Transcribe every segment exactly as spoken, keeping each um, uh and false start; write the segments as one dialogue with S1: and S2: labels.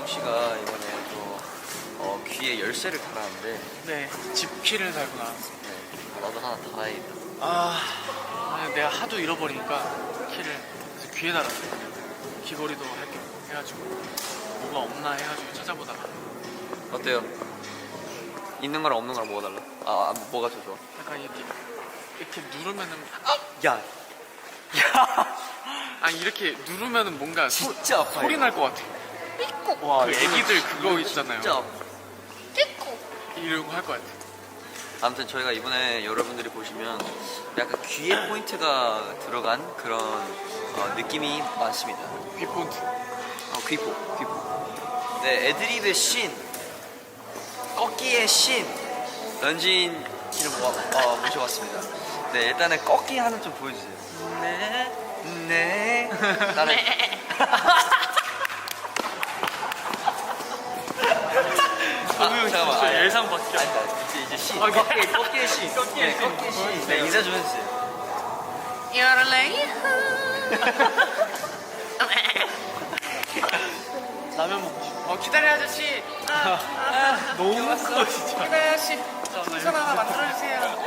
S1: 재홍 씨가 이번에 또 어, 귀에 열쇠를 달았는데
S2: 네, 집키를 달고 나왔습니다.
S1: 네, 나도 하나 달아야겠다.
S2: 아, 아니, 내가 하도 잃어버리니까 키를 그래서 귀에 달았어요. 귀걸이도 할게 해가지고 뭐가 없나 해가지고 찾아보다가
S1: 어때요? 있는 거랑 없는 거랑 뭐가 달라? 아, 아 뭐가 더 좋아?
S2: 약간 이렇게 이렇게 누르면은
S1: 야, 야,
S2: 아니 이렇게 누르면은 뭔가 소,
S1: 진짜 아파요.
S2: 소리 날 것 같아.
S1: 와,
S2: 그
S1: 이거는
S2: 애기들
S1: 진짜-
S2: 그거 있잖아요.
S1: 진짜 아파.
S2: 이러고 할 것 같아.
S1: 아무튼 저희가 이번에 여러분들이 보시면 약간 귀에 포인트가 들어간 그런 어, 느낌이 많습니다.
S2: 귀 폰트.
S1: 어, 귀포, 귀포. 네, 애드립의 신, 꺾기의 신, 런쥔 씨를 모아, 어, 모셔봤습니다. 네, 일단은 꺾기 하나 좀 보여주세요. 네, 네. 나는. 아, 잠깐만.
S2: 진짜
S1: 아니,
S2: 예상 밖이야.
S1: 아니, 아니, 이제, 이제 신.
S2: 아,
S1: 꺾기, 꺾기의 신.
S2: 꺾기의
S1: 네,
S2: 신.
S1: 꺾기의 신. 네, 인사 좀 해주세요.
S2: 라면 먹고 싶어. 어, 기다려 아저씨. 아, 아, 너무 커 진짜. 기다려 아저씨. 풍선 하나 만들어주세요.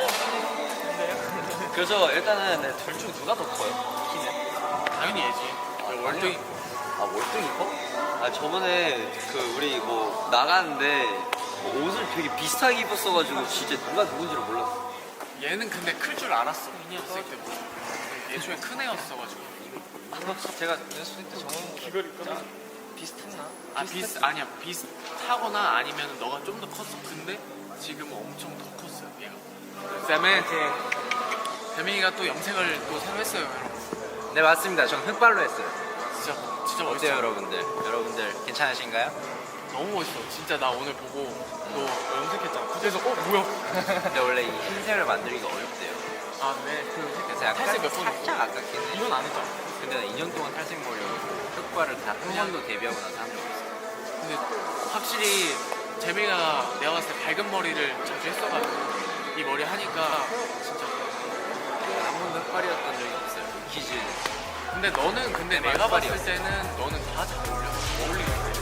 S1: 그래서 일단은 네, 둘 중 누가 더 커요? 키는?
S2: 당연히 얘지. 월등히.
S1: 아 월등히 커? 아 저번에 그 우리 뭐 나가는데 뭐 옷을 되게 비슷하게 입었어가지고 진짜 누가 누군지를 몰랐어.
S2: 얘는 근데 클 줄 알았어. 연습생 때부터. 예초에 큰 애였어가지고.
S1: 제가 연습생 때 정원
S2: 귀걸이
S1: 짜 비슷했나?
S2: 아 비슷 아니야 비슷하거나 아니면 너가 좀 더 컸어. 근데 지금은 엄청 더 컸어요 얘가. 그다음에 대민이가 또 염색을 또 새로 했어요 여러분.
S3: 네 맞습니다. 전 흑발로 했어요.
S2: 진짜 진짜 멋있어.
S3: 어때요 여러분들? 여러분들 괜찮으신가요?
S2: 너무 멋있어. 진짜 나 오늘 보고 너 염색했잖아. 그래서 어 뭐야?
S3: 근데 원래 이 흰색을 만들기가 어렵대요.
S2: 아 네. 그
S3: 그래서 약간
S2: 탈색 몇 번 했어?
S3: 살짝 아깝긴 해.
S2: 이건 안 했잖아.
S3: 근데 나 이 년 동안 탈색 머리로 흑발을 다 한 번도 데뷔하고 나서 한 적 없어.
S2: 근데 확실히 재민이가 내가 봤을 때 밝은 머리를 자주 했어가지고 이 머리 하니까 진짜.
S3: 한 번도 흑발이었던 적이 없어요. 키즈.
S2: 근데 너는 근데 내가 봤을 때는 너는 다 잘 어울려. 어울리겠어.